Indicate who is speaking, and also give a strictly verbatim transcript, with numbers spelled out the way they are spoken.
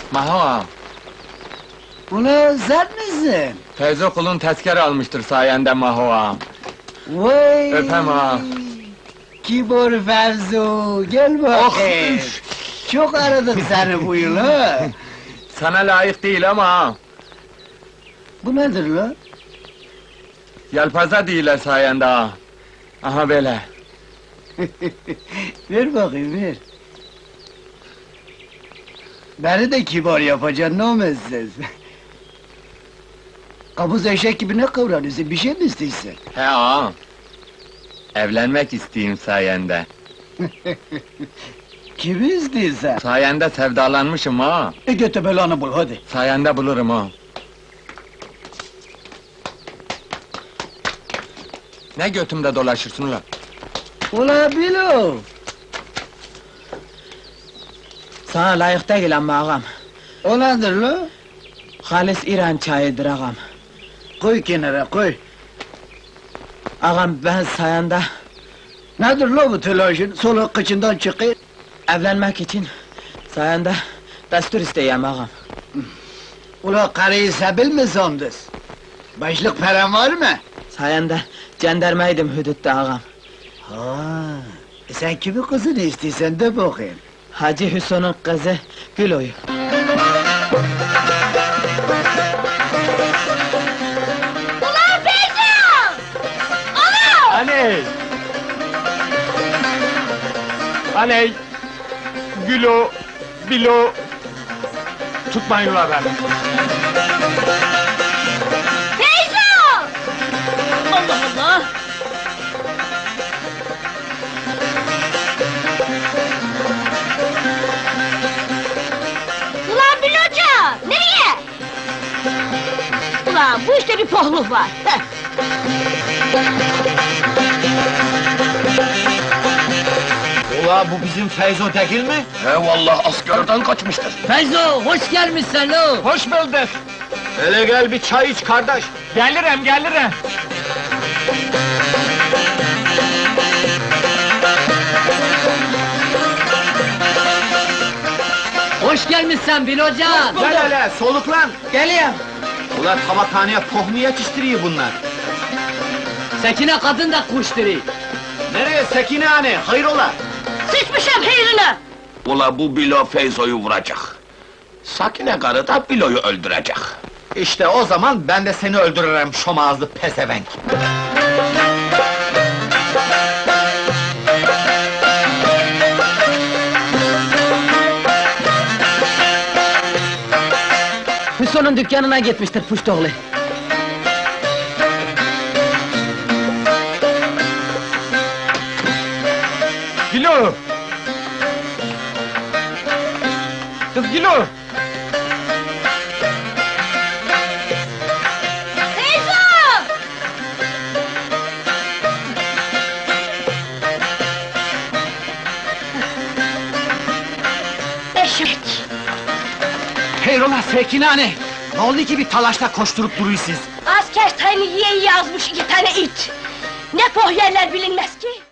Speaker 1: Maho,
Speaker 2: Ulan sen misin?
Speaker 1: Feyzo kulun tezkere almıştır sayende Maho ağam.
Speaker 2: Vay!
Speaker 1: Öpem ağam.
Speaker 2: Kibor Fevzo, gel bakayım.
Speaker 1: üf!
Speaker 2: Çok aradık seni bu yıl ha.
Speaker 1: Sana layık değil ama ağam.
Speaker 2: Bu nedir lan?
Speaker 1: Yelpaze değiller sayende ağam. Aha böyle.
Speaker 2: Ver bakayım, ver. Beni de kibar yapacaksın, ne olmazsın? Kabuz eşek gibi ne kıvranıyorsun, bir şey mi istiyorsun?
Speaker 1: He ağam. Evlenmek isteyeyim sayende.
Speaker 2: Kimi istiyorsun?
Speaker 1: Sayende sevdalanmışım ağam.
Speaker 2: E götü belanı bul, hadi.
Speaker 1: Sayende bulurum ağam. Ne götümde dolaşırsın ulan?
Speaker 2: Ula Bilo!
Speaker 3: Sana layık değil ama ağam.
Speaker 2: O nedir lan?
Speaker 3: Halis İran çayıdır ağam.
Speaker 2: Koy kenara, koy.
Speaker 3: Ağam ben sayende
Speaker 2: Nedir lan bu telaşın? Soluk kıçından çıkıyor.
Speaker 3: evlenmek için sayende destur isteyeyim ağam.
Speaker 2: Ula karıyı sebil mi sandın? Başlık paran var mı?
Speaker 3: Sayende cendermeydim hudutta ağam.
Speaker 2: Ha, e sen kimin kızını istiyorsan de bakayım.
Speaker 3: Hacı Hüsnü'nün kızı Gülo'yu.
Speaker 4: Ulan Feyzo! Ulan!
Speaker 1: Aney! Aney! Gülo, bilo... Tutmayın ulan beni!
Speaker 4: Feyzo! Allah Allah! Ulan Biloca! Nereye? Ulan bu işte bir pohluk var. Heh.
Speaker 5: Ula bu bizim Feyzo değil mi?
Speaker 6: He vallahi askerden kaçmıştır.
Speaker 3: Feyzo hoş gelmişsin lo.
Speaker 1: Hoş bulduk!
Speaker 5: Hele gel bir çay iç kardeş.
Speaker 1: Gelirim, gelirim!
Speaker 3: Hoş gelmişsin Bilocan.
Speaker 5: Gel hele soluklan.
Speaker 3: Geliyorum.
Speaker 5: Ula tabakhaneye pohmu yetiştiriyor bunlar.
Speaker 3: Sekine kadın da kuşturi.
Speaker 5: Nereye Sekine hani? Hayrola?
Speaker 4: Sıçmışım hayrına!
Speaker 6: Ula bu Bilo Feyzo'yu vuracak. Sakine karı da Bilo'yu öldürecek.
Speaker 5: İşte o zaman ben de seni öldürürüm şom ağızlı pezevenk.
Speaker 3: Hüsnü'nün dükkanına gitmiştir puştoğlu.
Speaker 1: Gülo! Kız Gülo!
Speaker 4: Feyzo! Eşek!
Speaker 5: Hayrola Sekine hani? Ne oldu ki bir talaşta koşturup duruyorsunuz?
Speaker 4: Asker tayını yiye yiye yazmış iki tane it! Ne poh yerler bilinmez ki!